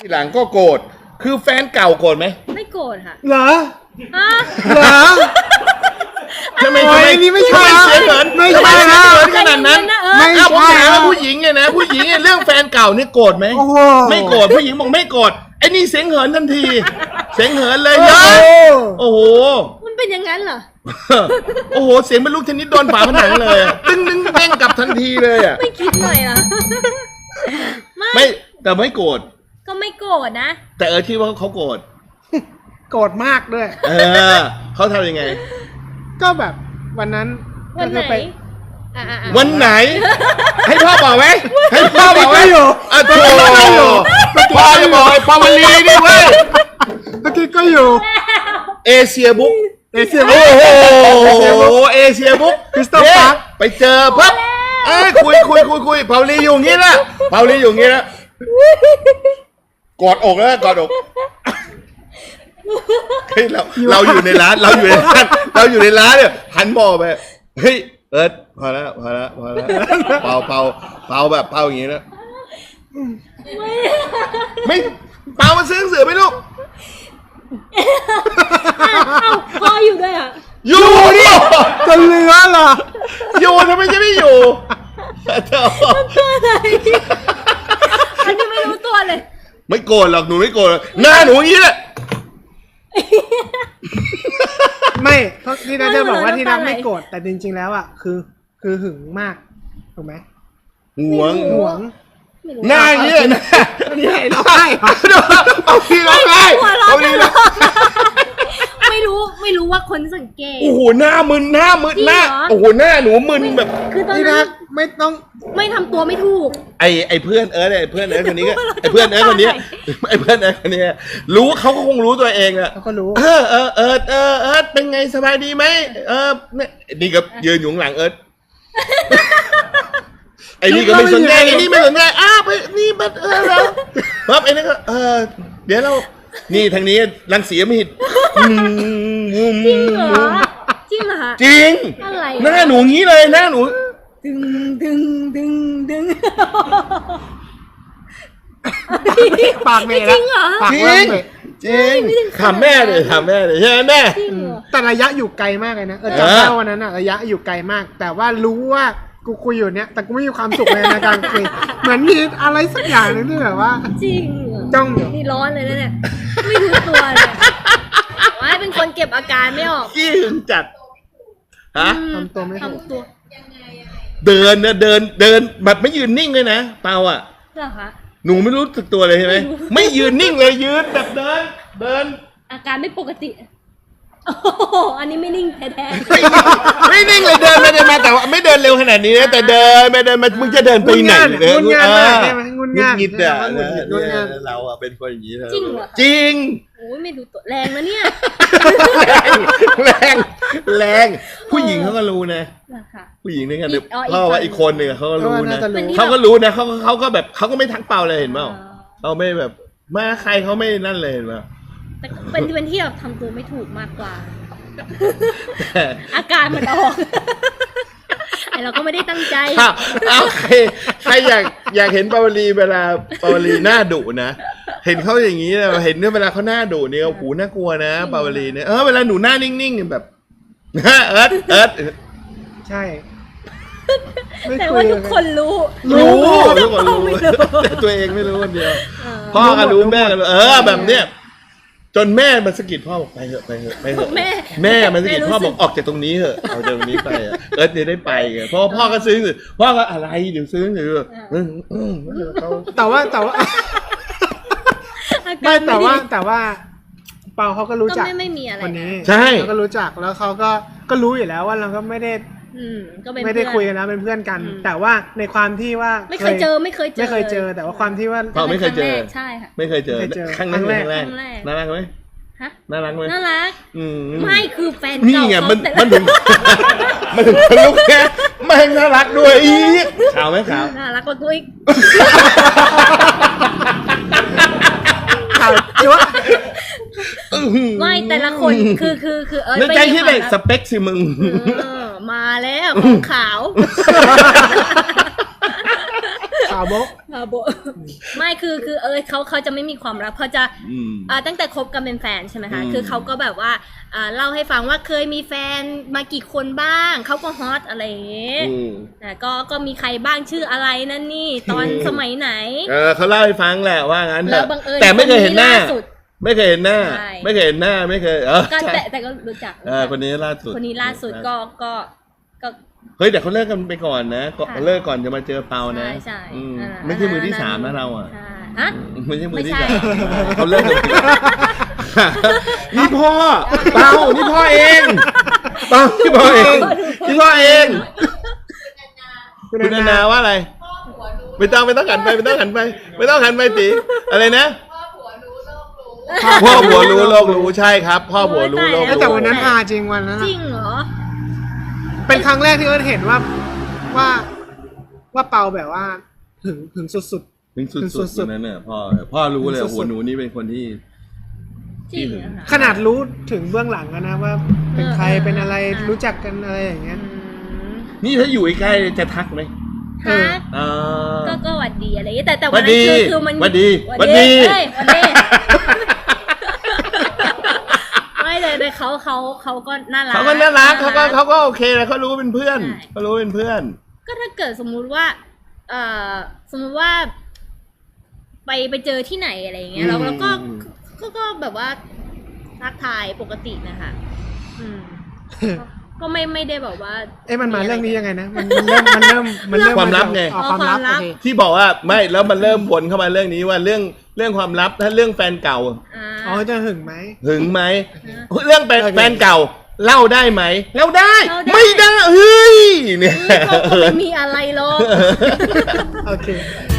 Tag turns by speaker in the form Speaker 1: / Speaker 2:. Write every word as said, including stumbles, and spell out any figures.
Speaker 1: ทีหลังก็โกรธคือแฟนเก่าโกรธไหม
Speaker 2: ไม่โกรธค่ะ
Speaker 3: เหรอ
Speaker 2: เหรอ
Speaker 1: ทำไมทำไม
Speaker 3: นี่ไม่ใช่
Speaker 1: เสียเหิน
Speaker 3: ไม่ใช่
Speaker 1: เสียเหินขนาดนั้น
Speaker 3: ไม่
Speaker 1: เอาผม
Speaker 3: ใช่
Speaker 1: ถามว่าผู้หญิงเนี่ยนะผู้หญิงเนี่ยเรื่องแฟนเก่านี่โกรธไหมไม่โกรธผู้หญิงบอกไม่โกรธไอ้นี่เสียงเหินทันทีเสียงเหินเลยเยอะโอ้โห
Speaker 2: มันเป็นอย่างนั้นเหรอ
Speaker 1: โอ้โหเสียงเป็นลูกเทนนิสโดนฝาผนังเลยตึ้งตึ้งเด้งกลับทันทีเลยอ่ะ
Speaker 2: ไม่คิดหน่อยเหรอ
Speaker 1: ไม่แต่ไม่โกรธ
Speaker 2: ก็ไม่โกรธนะ
Speaker 1: แต่เออคิดว่าเขาโกรธ
Speaker 3: โกรธมากด้วย
Speaker 1: เออเขาทำยังไง
Speaker 3: ก็แบบวันนั้น
Speaker 2: วันไหน
Speaker 1: วันไหนให้พ่อบอกไหมให้พ่อบอกไหมอ่ะโธ่พ่อจะบอกไอ้ปาวลีนี่เว้ย
Speaker 3: เมื่อกี้ก็อยู่
Speaker 1: เอเชียบุ๊ก
Speaker 3: เอเชีย
Speaker 1: บุ๊กโอ้โหเอเชียบุ๊ก
Speaker 3: คริสตัลพาร์ค
Speaker 1: ไปเจอปั๊บเอ้ยคุยคุยคุยคุยปาวลีอยู่งี้นะปาวลีอยู่งี้นะกอดอกแล้วกอดอกเฮ้ยเราเราอยู่ในร้านเราอยู่ในร้านเราอยู่ในร้านเนี่ยหันมองไปเฮ้ยเอิร์ธพอแล้วพอแล้วพอแล้วเป่าเป่าเป่าแบบเป่าอย่างงี้นะไม่เป่ามาซื้อหนังสือไหมลูก
Speaker 2: พ่ออยู่ด้วยอ่ะ
Speaker 1: อยู่ดิ
Speaker 3: จะเหลือเหรอ
Speaker 1: อยู่ทำไมจะไม่อยู่
Speaker 2: ตัวอะไรอันนี้ไม่รู้ตัวเลย
Speaker 1: ไม่โกรธหรอกหนูไม่โกรธหน้าหนูอย่างนี้แหละ
Speaker 3: ไม่เพราะที่นัทจะบอกว่าที่นัทไม่โกรธแต่จริงๆแล้วอ่ะคือคือหึงมากถูกไหม
Speaker 1: หวง
Speaker 3: หวง
Speaker 1: หน้าอย่างนี้นะ
Speaker 3: นี่ไงร้องไห้
Speaker 1: เอาพี่ร้องไห้เอาพี่ร้อง
Speaker 2: ไม่รู้ไม่รู้ว่าคนสังเกต
Speaker 1: โอ้โหหน้ามึนหน้ามึนหน้าโอ้โหหน้าหนูมึนแบบ
Speaker 2: คือตอน
Speaker 3: นั้
Speaker 2: น
Speaker 3: ไม่ต้อง
Speaker 2: ไม่ทำตัวไม่ถูก
Speaker 1: ไอไอเพื่อนเอิร์ธไอเพื่อนเอิร์ธคนนี้ก็ไอเพื่อนเอิร์ธคนนี้ไอเพื่อนเอิร์ธคนนี้รู้เขาก็คงรู้ตัวเองอะ
Speaker 3: เขาก็รู้
Speaker 1: เออเออเอิร์ธเออเอิร์ธเป็นไงสบายดีไหมเออนี่ก็ยืนอยู่หลังเอิร์ธไอ้นี่ก็ไม่สนใจไอ้นี่ไม่สนใจอ้าวไปนี่บัดเออแล้วปั๊บไอ้นี่ก็เออเดี๋ยวเรานี่ทางนี้รังสีไม่หิด
Speaker 2: จริงเหรอจริงเหรอ
Speaker 1: จริง
Speaker 2: อะไร
Speaker 1: หน้าหนูงี้เลยหน้าหนู
Speaker 2: ดึงดึงดึงดึง
Speaker 3: ปากเมย์
Speaker 2: จริงเหรอ
Speaker 1: จริงจริงถามแม่เลยถามแม่เลยใช่ไหมแม่
Speaker 3: แต่ระยะอยู่ไกลมากเลยนะเออจำได้วันนั้นอะระยะอยู่ไกลมากแต่ว่ารู้ว่ากูคุยอยู่เนี้ยแต่กูไม่มีความสุขเลยในการคุยเหมือนมีอะไรสักอย่างนึงที่แบบว่า
Speaker 2: จริง
Speaker 3: จ้องอยู่
Speaker 2: นี่ร้อนเลยนะเนี่ยไม่รู้ตัวเลยว่าเป็นคนเก็บอาการไม่ออก
Speaker 1: ขี้หึงจัดฮะ
Speaker 3: ทำตัวไม่ถูก
Speaker 1: เดินนะเดินเดินแบบไม่ยืนนิ่งเลยนะเปาอ่ะ
Speaker 2: เหรอคะ
Speaker 1: หนูไม่รู้สึกตัวเลยใช่ไหมไม่ยืนนิ่งเลยยืนแบบเดินเดิน
Speaker 2: อาการไม่ปกติโอ้โหอันนี้ไม่นิ่งแท้
Speaker 1: ๆไม่นิ่งเลยเดินไม่เดินมาแต่ว่าไม่เดินเร็วขนาดนี้นะแต่เดินไม่เดินมามึงจะเดินไปไหน
Speaker 3: เดินงุนงานงุนงาน
Speaker 1: งิดอ่ะเราอ่ะเป็นคนอย่างนี้
Speaker 2: จริงเหรอ
Speaker 1: จริง
Speaker 2: โอ้ยไม่รู้ตัวแรงนะเนี่ย
Speaker 1: แรงแรงผู้หญิงเขาก็รู้นะผู้หญิงนี่กันเพราะว่าอีกคนหนึ่งเขาก็รู้นะเขาก็รู้นะเขาเขาก็แบบเขาก็ไม่ทักเปล่าเลยเห็นเปล่าเขาไม่แบบมาใครเขาไม่นั่นเลยเห็นเปล่า
Speaker 2: แต่เป็นเป็นที่แบบทำตัวไม่ถูกมากกว่าอาการมันออกไอเราก็ไม่ได้ตั้งใจ
Speaker 1: เอาใครใครอยากอยากเห็นปาวลีเวลาปาวลีหน้าดุนะเห็นเขาอย่างนี้นะเห็นเวลาเขาหน้าดุเนี่ยโอ้โหน่ากลัวนะปาวลีเนี่ยเออเวลาหนูหน้านิ่งๆแบบเอิร์ธเอิร์ธ
Speaker 3: ใช่
Speaker 2: แต่ว่าทุกคนรู้
Speaker 1: รู้ทุกคนรู้แต่ตัวเองไม่รู้คนเดียวพ่อก็รู้แม่ก็รู้เออแบบเนี้ยจนแม่มันสะกิดพ่อบอกไปเถอะไปเถอะไปเถอะแม่แม่มันสะกิดพ่อบอกออกจากตรงนี้เถอะเอาจากตรงนี้ไปเอิร์ธเนี่ยได้ไปไงเพราะพ่อก็ซื้อหรือพ่อก็อะไรเดี๋ยวซื้อหรือ
Speaker 3: แต่ว่าแต่ว่าไม่แต่ว่าแต่ว่าเปาเขาก็รู้จัก
Speaker 2: คน
Speaker 3: นี้
Speaker 1: ใช่
Speaker 3: เขาก็รู้จักแล้วเขาก็ก็รู้อยู่แล้วว่าเราก็ไม่ได้ไม่ได้คุยกันนะเป็นเพื่อนกันแต่ว่าในความที่ว่า
Speaker 2: ไม่เคยเจอไม่เคยเจอ
Speaker 3: ไม่เคยเจอแต่ว่าความที่ว่า
Speaker 1: เราไม่เคยเจอ
Speaker 2: ใช่ค่ะ
Speaker 1: ไม่เคยเจอครั้งแรกน่ารักไหม
Speaker 2: ฮะ
Speaker 1: น่ารักไหม
Speaker 2: น่ารักไม่คือแฟน
Speaker 1: นี่ไงมันมันถึงมันถึงลูกแค่ไม่น่ารักด้วยอีกขาวไหมขาว
Speaker 2: น่ารักกว่ากูอีก
Speaker 3: ขาวจ้วะ
Speaker 2: ไม่แต่ละคนคือคือคือเออ
Speaker 1: ไม่ใช่ที่ไหนสเปคสิมึง
Speaker 2: มาแล้วของขาว
Speaker 3: ขาวโบ๊ะ
Speaker 2: ขาวโบไม่คือคือเออเขาเขาจะไม่มีความลับเขาจะ
Speaker 1: อืม
Speaker 2: อ่าตั้งแต่คบกันเป็นแฟนใช่ไหมคะ
Speaker 1: อืม
Speaker 2: คือเขาก็แบบว่าอ่าเล่าให้ฟังว่าเคยมีแฟนมากี่คนบ้างเขาก็ฮอตอะไรอย่างเงี้ย
Speaker 1: อืม
Speaker 2: อ่าก็ก็มีใครบ้างชื่ออะไรนั่นนี่ตอนสมัยไหน
Speaker 1: เออเขาเล่าให้ฟังแหละว่างั้นเถ
Speaker 2: แล้ว
Speaker 1: อะ
Speaker 2: บังเอิญ
Speaker 1: แต่ไม่เคยเห็นหน้า
Speaker 2: คล่สุด
Speaker 1: ไม่เคยเห็นหน้า
Speaker 2: ใช่
Speaker 1: ไม่เคยเห็นหน้าไม่เคยเออ
Speaker 2: ก็
Speaker 1: ใช่
Speaker 2: แต่แต่ก็รู้จัก
Speaker 1: เออคนนี้ล่าสุด
Speaker 2: คนนี้ล่าสุดก็ก็ก็
Speaker 1: เฮ้ยแต่เขาเลิกกันไปก่อนนะก็
Speaker 2: ค่ะ
Speaker 1: เลิกก่อนจะมาเจอเปานะ
Speaker 2: ใช่ใช่
Speaker 1: อืม
Speaker 2: อ่า
Speaker 1: ไม่ใช่มือที่สามนะเราอ่ะ
Speaker 2: ใช่ฮะ
Speaker 1: ไม่ใช่มือที่
Speaker 2: ไม่ใช่
Speaker 1: สามเขาเลิกกันนี่พ่อเปานี่พ่อเองเปานี่พ่อเองนี่พ่อเอง
Speaker 3: คุณ
Speaker 1: คุณ
Speaker 3: นา
Speaker 1: นา
Speaker 3: นา
Speaker 1: นาว่าอะไรไม่ต้องไม่ต้องหันไปไม่ต้องหันไป ไม่ต้องหันไปตีอะไรนะพ่อผัวรู้โลกรู้ใช่ครับ พ่อผัวรู้โลก
Speaker 3: เอ้ย
Speaker 1: รู้
Speaker 3: แต่วันนั้นฮาจริงวันนั้น
Speaker 2: จ
Speaker 3: อะ
Speaker 2: ริงเหรอ
Speaker 3: เป็นครั้งแรกที่เอิร์ธเห็นว่าว่าว่าเปาแบบว่าหึงหึงสุด
Speaker 1: ถึงสุ
Speaker 3: สุ
Speaker 1: ด
Speaker 3: ด
Speaker 1: ๆ
Speaker 3: ๆ
Speaker 1: วันนั้นเนี่ยพ่อพ่อรู้เลย
Speaker 3: สุดๆ
Speaker 1: หัวหนูนี่เป็นคนที่
Speaker 2: จริงเหรอคะ
Speaker 3: ๆ ขนาดรู้ถึงเบื้องหลังกันนะว่า เป็นใคร
Speaker 2: เออเออ
Speaker 3: เป็นอะไร
Speaker 2: เออ
Speaker 3: รู้จักกันอะไรอย่างเงี้ย
Speaker 2: อืม
Speaker 1: นี่ถ้าอยู่ใกล้ๆจะทักไหม
Speaker 3: เออ
Speaker 2: ฮะ
Speaker 1: อ่า
Speaker 2: ก็ก็หวัดดีอะไรอย่างเงี้ยแต่แต่
Speaker 1: หวั
Speaker 2: วัน
Speaker 1: ด
Speaker 2: นั้
Speaker 1: ดี
Speaker 2: นคือคือมัน
Speaker 1: หวัดดี
Speaker 2: หวัด
Speaker 1: หวัดดี
Speaker 2: เอ้ยหวัดดี ไม่เลยเลยเขาเขาเขาก็น่ารัก
Speaker 1: เขาก็น่ารักเขาก็เขาก็โอเคเลยเขารู้ว่าเป็นเพื่อน
Speaker 2: ใช่
Speaker 1: เขารู้ว่าเป็นเพื่อน
Speaker 2: ก็ถ้าเกิดสมมุติว่า เอ่อสมมุติว่า ไปไปเจอที่ไหนอะไรอย่างเงี้ยแล้วแล้วก็
Speaker 1: อืม
Speaker 2: ก็ก็แบบว่าทักทายปกตินะคะอืมก็ก็ไม่ไม่ได้แบบว่า
Speaker 3: เอ้ยมันมาเรื่องนี้ยังไงนะ มันมันเริ่มมันเริ่มมันเริ่ม
Speaker 1: ความลับไง
Speaker 3: อ๋อความลับ
Speaker 2: ความลั
Speaker 3: โอบ เค
Speaker 1: ที่บอกว่าไม่แล้วมันเริ่มวนเข้ามาเรื่องนี้ว่าเรื่องเรื่องความลับถ้าเรื่องแฟนเก่า
Speaker 2: อ่า
Speaker 3: อ๋อจะหึงไหม
Speaker 1: หึงไหม
Speaker 2: อ่า
Speaker 1: เรื่องแฟน
Speaker 3: โอเค
Speaker 1: แฟนเก่า เล่าได้ไหมเล่าได้
Speaker 2: เล่าได้
Speaker 1: ไม่ได้เฮ้ยเนี่ย
Speaker 2: ก็ก็ไม่มีอะไรหรอก
Speaker 3: โอเค